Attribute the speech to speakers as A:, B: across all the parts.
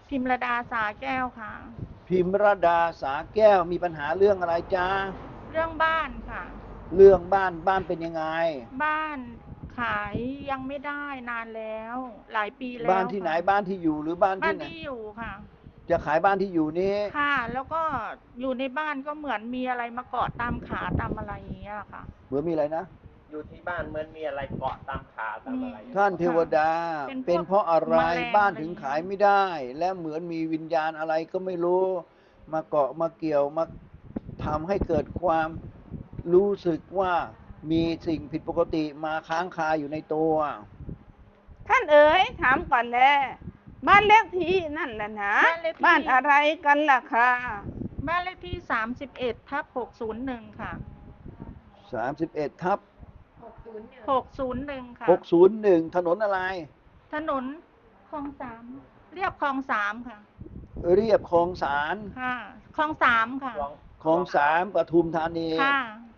A: พิมรดาสาแก้วค่ะ
B: พิมรดาสาแก้วมีปัญหาเรื่องอะไรจ้า
A: เรื่องบ้านค่ะ
B: เรื่องบ้านเป็นยังไง
A: บ้านขายยังไม่ได้นานแล้วหลายปี
B: บ้านที่ไหน
A: แล้วค่ะ
B: บ้านที่อยู่หรือบ้านที่ไหน
A: บ้านที่อยู่ค่ะ
B: จะขายบ้านที่อยู่นี้
A: ค่ะแล้วก็อยู่ในบ้านก็เหมือนมีอะไรมาเกาะตามขาตามอะไรอย่างเงี้ยค่ะ
B: เหมือนมีอะไรนะ
C: อยู่ที่บ้านเหมือนมีอะไรเกาะตามขาตาม
A: มี
C: อะไร
B: ท่านเทว
A: ค่ะ
B: ดา
A: เป็นพวก
B: เป็นเพราะอะไร
A: แมลง
B: บ้านถึง
A: อะไรอย่างเงี้ย
B: ขายไม่ได้และเหมือนมีวิญญาณอะไรก็ไม่รู้มาเกาะมาเกี่ยวมาทำให้เกิดความรู้สึกว่ามีสิ่งผิดปกติมาค้างคาอยู่ในตัว
D: ท่านเอ๋ยถามก่อนแลบ้านเลขที่นั่นแหละนะ
A: บ้านเลข
D: บ้าน
A: ที่
D: อะไรกันล่ะค่ะ
A: บ้านเลขที่31/601ค่ะ
B: 31 ทับ
A: 601ค่ะ
B: 601ถนนอะไร
A: ถนนคลองสามเรียบคลองสามค่ะ
B: เรียบคลองสาร
A: ค่ะคลองสามค่ะ
C: ลอง
B: คลองสารปทุมธานี
A: ค่ะ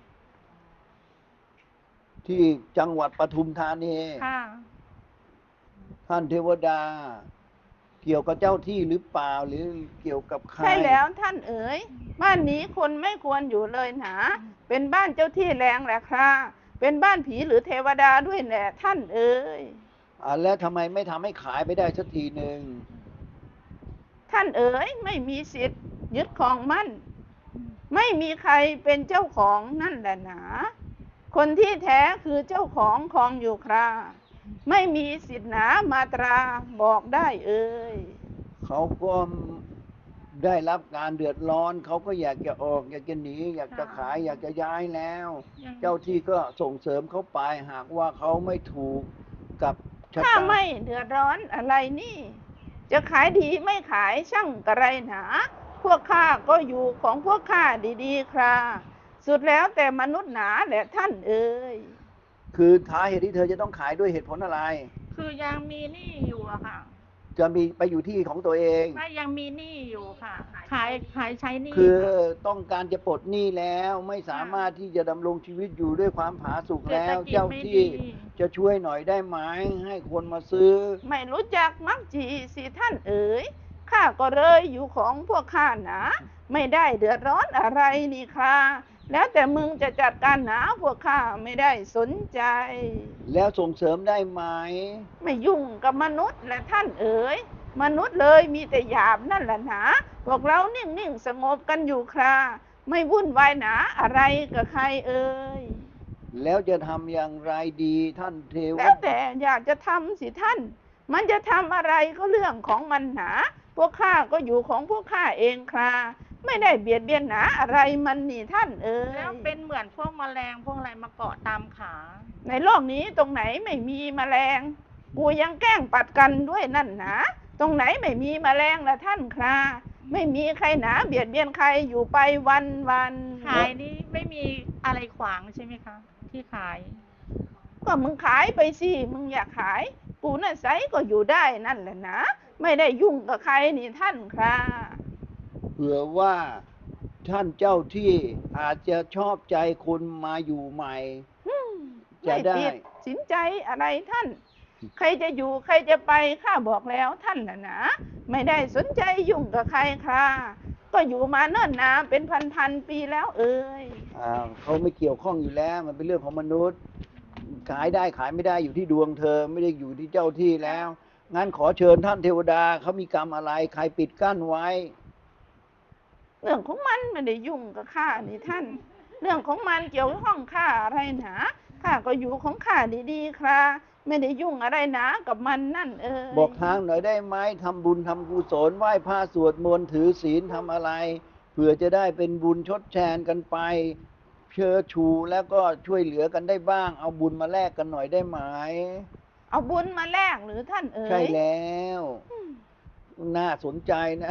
B: ที่จังหวัดปทุมธานี
A: ค่ะ
B: ท่านเทวดาเกี่ยวกับเจ้าที่หรือเปล่าหรือเกี่ยวกับใคร
D: ใช่แล้วท่านเอ๋ยบ้านนี้คนไม่ควรอยู่เลยหนาเป็นบ้านเจ้าที่แรงแหละค่ะเป็นบ้านผีหรือเทวดาด้วยแหละท่านเอ๋ย
B: แล้วทำไมไม่ทำให้ขายไปได้สักทีหนึ่ง
D: ท่านเอ๋ยไม่มีสิทธิ์ยึดของมั่นไม่มีใครเป็นเจ้าของนั่นแหละหนาคนที่แท้คือเจ้าของอยู่คราไม่มีสิทธิ์หนามาตราบอกได้เอ่ย
B: เขาก็ได้รับการเดือดร้อนเขาก็อยากจะออกอยากจะหนีอยากจะขายอยากจะย้ายแล้ว
A: ยัง
B: เจ้าที่ก็ส่งเสริมเขาไปหากว่าเขาไม่ถูกกับชะ
D: ถ้า
B: ตา
D: ไม่เดือดร้อนอะไรนี่จะขายดีไม่ขายช่างกระไรหนาพวกข้าก็อยู่ของพวกข้าดีๆคราสุดแล้วแต่มนุษย์หนาแหละท่านเอ่ย
B: คือท้าเหตุที่เธอจะต้องขายด้วยเหตุผลอะไร
A: คือยังมีหนี้อยู่อะค่ะ
B: จะมีไปอยู่ที่ของตัวเอง
A: ไม่ยังมีหนี้อยู่ค่ะขายใช้หนี้
B: คือ
A: ค่ะ
B: ต้องการจะปลดหนี้แล้วไม่สามารถที่จะดำรงชีวิตอยู่ด้วยความผาสุก
A: เศรษฐ
B: แล้ว
A: กิจ
B: เจ้า
A: ไม่
B: ที่
A: ดี
B: จะช่วยหน่อยได้ไหมให้คนมาซื้อ
D: ไม่รู้จักมักจีสิท่านเอ๋ยข้าก็เลยอยู่ของพวกข้าหนาไม่ได้เดือดร้อนอะไรนี่ค่ะแล้วแต่มึงจะจัดการหนาพวกข้าไม่ได้สนใจ
B: แล้วส่งเสริมได้ไหม
D: ไม่ยุ่งกับมนุษย์และท่านเอ๋ยมนุษย์เลยมีแต่หยาบนั่นแหละหนาพวกเรานิ่งๆสงบกันอยู่คราไม่วุ่นวายหนาอะไรกับใครเอ่ย
B: แล้วจะทำอย่างไรดีท่านเทว
D: แล้ว
B: ดา
D: แต่อยากจะทำสิท่านมันจะทำอะไรก็เรื่องของมันหนาพวกข้าก็อยู่ของพวกข้าเองคราไม่ได้เบียดเบียนหนาอะไรมันนี่ท่านเอ๋
A: แล้ว
D: ย
A: เป็นเหมือนพวกแมลงพวกอะไรมาเกาะตามขา
D: ในโลกนี้ตรงไหนไม่มีแมลงกูยังแกล้งปัดกันด้วยนั่นหนาตรงไหนไม่มีแมลงละท่านคราไม่มีใครหนาเบียดเบียนใครอยู่ไปวัน
A: ขายนี่ไม่มีอะไรขวางใช่ไหมคะที่ขาย
D: ก็มึงขายไปสิมึงอยากขายกูน่ะไซก็อยู่ได้นั่นแหละนะไม่ได้ยุ่งกับใครนี่ท่านครา
B: เผื่อว่าท่านเจ้าที่อาจจะชอบใจคนมาอยู่ใหม่จะ
D: ไม่
B: ได้
D: ติดสินใจอะไรท่านใครจะอยู่ใครจะไปข้าบอกแล้วท่านน่ะนะไม่ได้สนใจยุ่งกับใครค่ะก็อยู่มาเนิ่นนานเป็นพันปีแล้วเอ่ย
B: เขาไม่เกี่ยวข้องอยู่แล้วมันเป็นเรื่องของมนุษย์ขายได้ขายไม่ได้อยู่ที่ดวงเธอไม่ได้อยู่ที่เจ้าที่แล้วงั้นขอเชิญท่านเทวดาเขามีกรรมอะไรใครปิดกั้นไว้
D: เรื่องของมันไม่ได้ยุ่งกับข้านี่ท่านเรื่องของมันเกี่ยวข้องข้าอะไรหนาข้าก็อยู่ของข้าดีๆค่ะไม่ได้ยุ่งอะไรหนากับมันนั่นเอ่ย
B: บอกทางหน่อยได้ไหมทำบุญทำกุศลไหว้พระสวดมนต์ถือศีลทำอะไรเผื่อจะได้เป็นบุญชดแทนกันไปเชิดชูแล้วก็ช่วยเหลือกันได้บ้างเอาบุญมาแลกกันหน่อยได้ไหม
D: เอาบุญมาแลกหรือท่านเอ๋
B: ใช่
D: ย
B: แล้วน่าสนใจนะ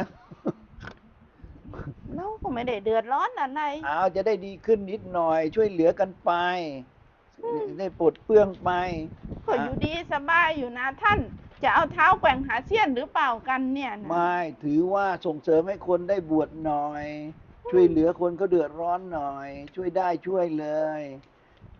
D: เราก็ไม่ได้เดือดร้อนอะไร
B: เอาจะได้ดีขึ้นนิดหน่อยช่วยเหลือกันไปได้ปลดเปลื้องไป
D: ก็อยู่ดีสบายอยู่นะท่านจะเอาเท้าแกว่งหาเสี้ยนหรือเปล่ากันเนี่ยนะ
B: ไม่ถือว่าส่งเสริมให้คนได้บวชหน่อยช่วยเหลือคนเขาเดือดร้อนหน่อยช่วยได้ช่วยเลย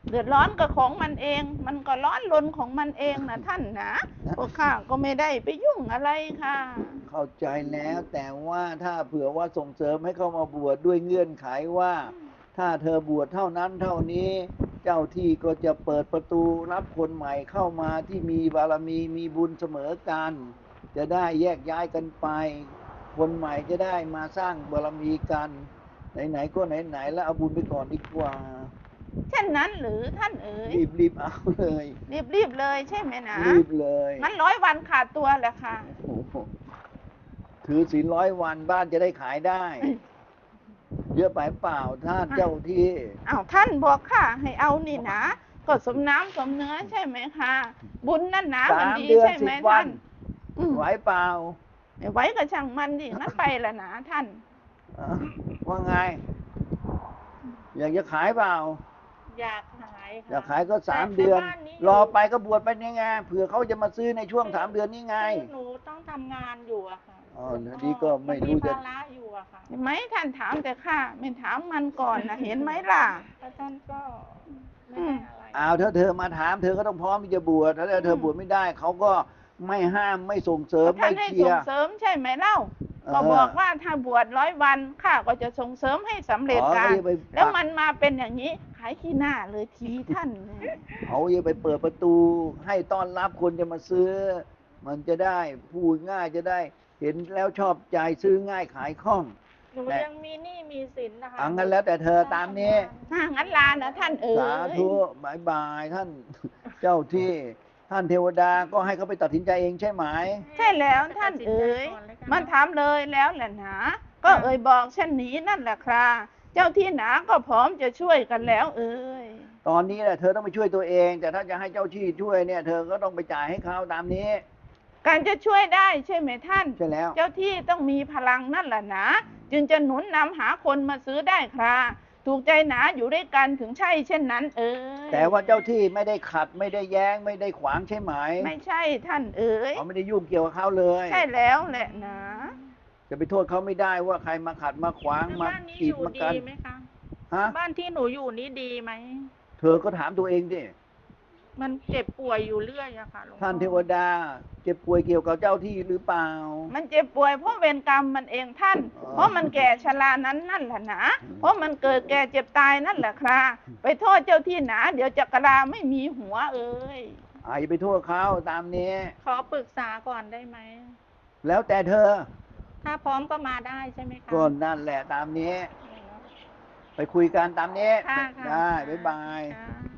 D: เดือดร้อนกับของมันเอง มันก็ร้อนรนของมันเองนะท่านนะพวกข้าก็ไม่ได้ไปยุ่งอะไรค่ะ
B: เข้าใจแล้วแต่ว่าถ้าเผื่อว่าส่งเสริมให้เข้ามาบวชด้วยเงื่อนไขว่า ถ้าเธอบวชเท่านั้นเท่านี้ เจ้าที่ก็จะเปิดประตูรับคนใหม่เข้ามาที่มีบารมีมีบุญเสมอกัน จะได้แยกย้ายกันไป คนใหม่จะได้มาสร้างบารมีกัน ไหนๆก็ไหนๆแล้วเอาบุญไปก่อนดีกว่า
D: เช่นนั้นหรือท่านเอ๋ย
B: รีบเอาเลย
D: รีบเลยใช่ไหมนะ
B: รีบเลย
D: งั้น100 วันขาดตัวแหละค่ะ
B: โอ้โหถือศีล100 วันบ้านจะได้ขายได้ เยอะไปเปล่าท่านเจ้าที่
D: อ้าวท่านบอกค่ะให้เอานี่นะ ก็สมน้ำสมเนื้อใช่ไหมคะบุญนั่นนะมัน
B: 3
D: ดี
B: เดือน
D: ใช่ไหม
B: 10 วั
D: ท่าน นอืม
B: ไหวเปล่า
D: ไม่ไว้กับช่างมันดิงั้นไปละนะท่าน
B: อ่ะว่าไง อยากจะขายเปล่า
A: อยากขายค่ะ
B: อยากขายก็
A: แต่
B: 3 เดือน
A: บ้านนี้
B: รอไปก็บวชไปนี่ไงเผื่อเขาจะมาซื้อในช่วง 3 เดือนนี้ไง
A: คือหนูต้องทำงานอยู่อะค่ะ
B: อ๋อนี่ก็ไม่รู้จะ
A: นภาระอยู่อะค่ะ
D: เห็นไหมท่านถามแต่ข้าไม่ถามมันก่อนนะเห็นไหมล่ะ
A: แล้วท่านก็ไม่ได้อะไร
B: อ้าวถ้าเธอมาถามเธอก็ต้องพร้อมที่จะบวชถ้าเธอบวชไม่ได้เขาก็ไม่ห้ามไม่ส่งเสริม
D: ท่า
B: ไม่
D: นให้
B: เชีย
D: ส่ง
B: ร์
D: เสริมใช่ไหมเล่า
B: เออ
D: ก็บอกว่าถ้าบวช100 วันข้าก็จะส่งเสริมให้สำเร็จ
B: อ๋อ
D: การ
B: ก็อย่าไป
D: แล้วมันมาเป็นอย่างนี้ขายขี้หน้าเลยทีท่านเนี่ย
B: เขาจะไปเปิดประตูให้ต้อนรับคนจะมาซื้อ มันจะได้พูดง่ายจะได้เห็นแล้วชอบใจซื้อง่ายขายคล่อง
A: หนูยังมีหนี้มีสินนะคะ
B: อังั้นแล้วแต่เธอตามนี้
D: ถ้างั้นลานะท่านเอ๋
B: สาย ธุบายบายท่าน เจ้าที่ท่านเทวดาก็ให้เขาไปตัดสินใจเองใช่ไหม
D: ใช่แล้วท่านเอ๋ยมันถามเลยแล้วแหละหนาก็เอ่ยบอกเช่นนี้นั่นแหละครับเจ้าที่หนาก็พร้อมจะช่วยกันแล้วเอ๋ย
B: ตอนนี้แหละเธอต้องไปช่วยตัวเอง แต่ถ้าจะให้เจ้าที่ช่วยเนี่ย เธอก็ต้องไปจ่ายให้เขาตามนี้
D: การจะช่วยได้ใช่ไหมท่าน
B: ใช่แล้ว
D: เจ้าที่ต้องมีพลังนั่นแหละนะจึงจะหนุนนำหาคนมาซื้อได้ครับถูกใจหนาอยู่ด้วยกันถึงใช่เช่นนั้นเอ๋ย
B: แต่ว่าเจ้าที่ไม่ได้ขัดไม่ได้แย้งไม่ได้ขวางใช่ไหม
D: ไม่ใช่ท่านเอ๋ย
B: เขาไม่ได้ยุ่งเกี่ยวกับเขาเลย
D: ใช่แล้วแหละนะ
B: จะไปโทษเขาไม่ได้ว่าใครมาขัดมาขวาง
A: แล้ว
B: มา
A: บ้านนี้
B: กี
A: อ
B: ด
A: ยู่
B: มา
A: ดี
B: กัน
A: ไหมคะ
B: ฮะ
A: บ้านที่หนูอยู่นี้ดีไหม
B: เธอก็ถามตัวเองดิ
A: มันเจ็บป่วยอยู่เรื่อยอะค่ะหลวงพ่อ
B: ท่านเทวดาเจ็บป่วยเกี่ยวกับเจ้าที่หรือเปล่า
D: มันเจ็บป่วยเพราะเวรกรรมมันเองท่าน
B: อ๋อ
D: เพราะมันแก่ชรานั้นนั่นแหละนะ เพราะมันเกิดแก่เจ็บตายนั่นแหละครับไปโทษเจ้าที่หนา เดี๋ยวจักราไม่มีหัวเอ้ย
B: อย่าไปโทษเขาตามนี้
A: ขอปรึกษาก่อนได้ไหม
B: แล้วแต่เธอ
A: ถ้าพร้อมก็มาได้ใช่ไหมคะ
B: ก็นั่นแหละตามนี้ ไปคุยกันตามนี้
A: ค่ะค่ะ
B: ได้บ๊ายบาย
A: ค่ะ